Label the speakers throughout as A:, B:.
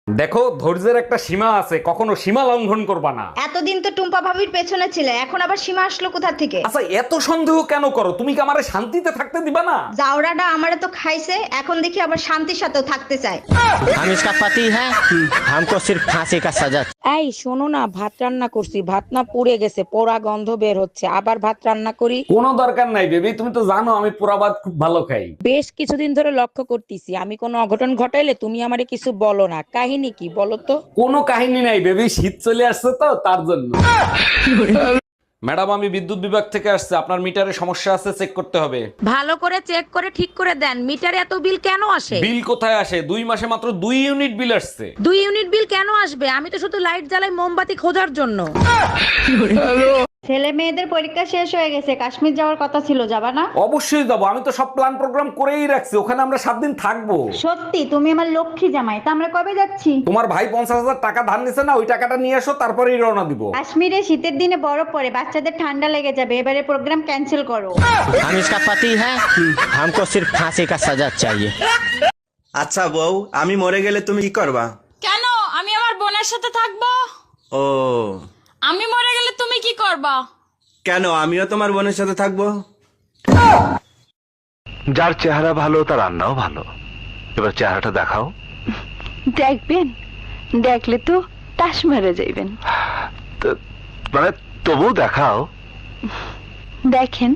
A: দেখো, ধৈর্যের একটা সীমা আছে, কখনো সীমা লঙ্ঘন করবা না।
B: এতদিন তো টুম্পা ভাবির পেছনে ছিলে, এখন আবার সীমা আসলো কোথা থেকে?
A: আচ্ছা, এত সন্দেহ কেন করো? তুমি কি আমারে শান্তিতে থাকতে দিবা না?
B: জাউরাটা আমারে তো খাইছে, এখন দেখি আবার শান্তির সাথেও থাকতে চায়।
C: हम इसका पति है, हमको सिर्फ फांसी का सजा।
D: এই শোনো না, ভাত রান্না করছি, ভাত না পুড়ে গেছে, পোড়া গন্ধ বের হচ্ছে, আবার ভাত রান্না করি?
A: কোনো দরকার নাই বেবি, তুমি তো জানো আমি পোড়া ভাত খুব ভালো খাই।
D: বেশ কিছুদিন ধরে লক্ষ্য করতেছি, আমি কোনো অঘটন ঘটাইলে তুমি আমারে কিছু বলো না। কাহিনী কি বলো তো?
A: কোনো কাহিনী নাই বেবি, শীত চলে আসছে তো তার জন্য। ম্যাডাম, আমি বিদ্যুৎ বিভাগ থেকে আসছে, আপনার মিটারে সমস্যা আছে, চেক করতে হবে।
D: ভালো করে চেক করে ঠিক করে দেন। মিটারে এত বিল কেন আসে?
A: বিল কোথায় আসে? 2 মাসে মাত্র 2 ইউনিট বিল আসছে।
D: 2 ইউনিট বিল কেন আসবে? আমি তো শুধু লাইট জ্বালাই মোমবাতি খোঁজার জন্য।
B: ছেলে মেয়েদের পরীক্ষা শেষ হয়ে গেছে, কাশ্মীর যাওয়ার কথা ছিল, যাবা না?
A: অবশ্যই যাবো, আমি তো সব প্ল্যান প্রোগ্রাম করেই রাখছি, ওখানে আমরা 7 দিন থাকবো।
B: সত্যি? তুমি আমার লক্ষ্মী জামাই, তা আমরা কবে যাচ্ছি?
A: তোমার ভাই 50,000 টাকা ধার নিছে না, ওই টাকাটা নিয়ে আসো, তারপরেই রওনা দিব।
B: কাশ্মীরে শীতের দিনে বরফ পড়ে, বাচ্চাদের ঠান্ডা লেগে যাবে, এবারে প্রোগ্রাম ক্যান্সেল করো।
C: हम इसका पति है, हमको सिर्फ फांसी का सजा चाहिए।
E: আচ্ছা বউ, আমি মরে গেলে তুমি কি করবা?
F: কেন? আমি আমার বোনের সাথে থাকবো।
E: ও,
F: আমি মরে গেলে তুমি কি করবা?
E: কেন আমিও তোমার বোনের সাথে থাকবো?
G: যার চেহারা ভালো তার রান্নাও ভালো। এবার চেহারাটা দেখাও।
H: দেখবেন, দেখলে তো টাস মেরে যাইবেন।
G: মানে তবু দেখাও।
H: দেখেন।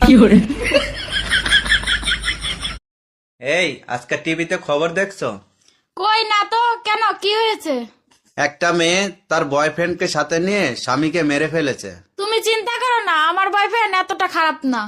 E: এই আজকে টিভিতে খবর দেখছো?
F: কই না তো, কেন কি হয়েছে?
E: একটা মেয়ে তার বয়ফ্রেন্ডকে সাথে নিয়ে স্বামীকে মেরে ফেলেছে।
F: তুমি চিন্তা করো না, আমার বয়ফ্রেন্ড এতটা খারাপ না।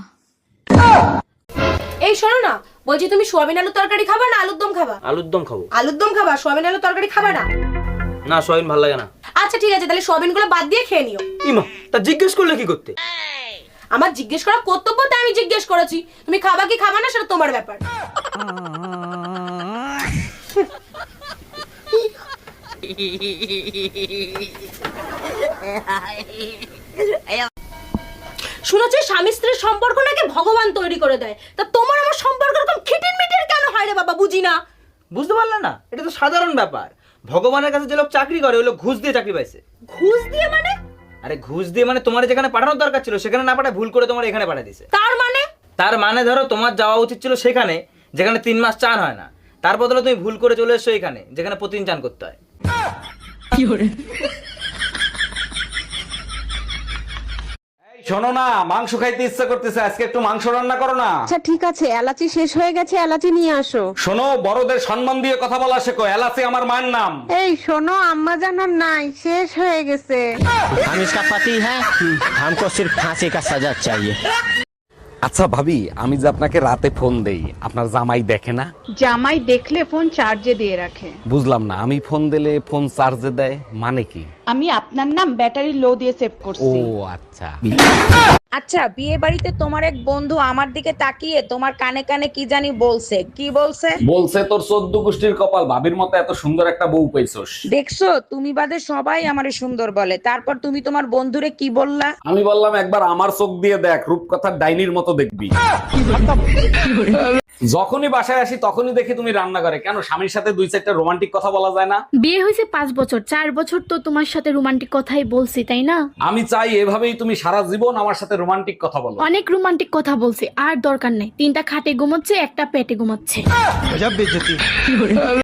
I: এই শোনো না, বলছি তুমি সোয়াবিন আলুর তরকারি খাবা না আলুর দম খাবা?
J: আলুর দম খাবো।
I: আলুর দম খাবা, সোয়াবিন আলুর তরকারি খাবা না?
J: না, সয়াবিন ভালো লাগে না।
I: আচ্ছা ঠিক আছে, তাহলে সোয়াবিন গুলো বাদ দিয়ে খেয়ে নিও।
J: ইমা, তা জিজ্ঞেস করলে কি করতে?
I: আমার জিজ্ঞেস করা কর্তব্য, তাই আমি জিজ্ঞেস করেছি। তুমি খাবা কি খাবা না সেটা তোমার ব্যাপার। শুনেছি স্বামী স্ত্রীর সম্পর্ক নাকি ভগবান তৈরি করে দেয়, তা তোমার আমার সম্পর্ক এরকম খিটির মিটির কেন হয় রে বাবা, বুঝি না।
J: বুঝতে পারলে না? এটা তো সাধারণ ব্যাপার। ভগবানের কাছে যে লোক চাকরি করে, ওই লোক ঘুষ দিয়ে চাকরি পাইছে।
I: ঘুষ দিয়ে মানে?
J: আরে ঘুষ দিয়ে মানে তোমার যেখানে পাঠানোর দরকার ছিল সেখানে না পাঠায় ভুল করে তোমার এখানে পাঠিয়ে দিছে।
I: তার মানে?
J: তার মানে ধরো তোমার যাওয়া উচিত ছিল সেখানে যেখানে 3 মাস চান হয় না, তার বদলে তুমি ভুল করে চলে এসছো এখানে যেখানে প্রতিদিন চান করতে হয়।
A: এই শোনো না, মাংস খাইতে ইচ্ছা করতেছে, আজকে একটু মাংস রান্না করো না।
D: আচ্ছা ঠিক আছে, এলাচি শেষ হয়ে গেছে, এলাচি নিয়ে আসো।
A: শোনো, বড়দের সম্মান দিয়ে কথা বলা শেখো, এলাচি আমার মায়ের নাম।
D: এই শোনো, আম্মা জানার নাই, শেষ হয়ে গেছে।
C: हम इसका पति है, हमको सिर्फ फांसी का सजा चाहिए।
A: আচ্ছা ভাবি, আমি যে আপনাকে রাতে ফোন দেই, আপনার জামাই দেখে না?
H: জামাই দেখলে ফোন চার্জে দিয়ে রাখে।
A: বুঝলাম না, আমি ফোন দিলে ফোন চার্জে দেয় মানে কি?
H: আমি আপনার নাম ব্যাটারি লো দিয়ে সেভ
A: ও
H: করছি।
A: আচ্ছা।
D: আচ্ছা, বিয়ে বাড়িতে তোমার এক বন্ধু আমার দিকে তাকিয়ে তোমার কানে কানে কি জানি বলছে। কি বলছে?
A: বলছে তোর 14 গোষ্ঠীর কপাল, ভাবির মতো এত সুন্দর একটা বউ পাইছস।
D: দেখছো, তুমি বাদে সবাই আমারে সুন্দর বলে, তারপর তুমি তোমার বন্ধুরে কি বললা?
A: আমি বললাম একবার আমার চোখ দিয়ে দেখ, রূপকথার ডাইনির মতো দেখবি। যখনই বাসায় আসি তখনই দেখি তুমি রান্না করে, কেন স্বামীর সাথে 2-4টা রোমান্টিক কথা বলা যায় না?
F: বিয়ে হয়েছে 5 বছর, 4 বছর তো তোমার সাথে রোমান্টিক কথাই বলছি, তাই না?
A: আমি চাই এভাবেই তুমি সারা জীবন আমার সাথে রোমান্টিক কথা বলো।
F: অনেক রোমান্টিক কথা বলছি, আর দরকার নেই। 3টা খাটে ঘুমাচ্ছে, একটা পেটে ঘুমাচ্ছে।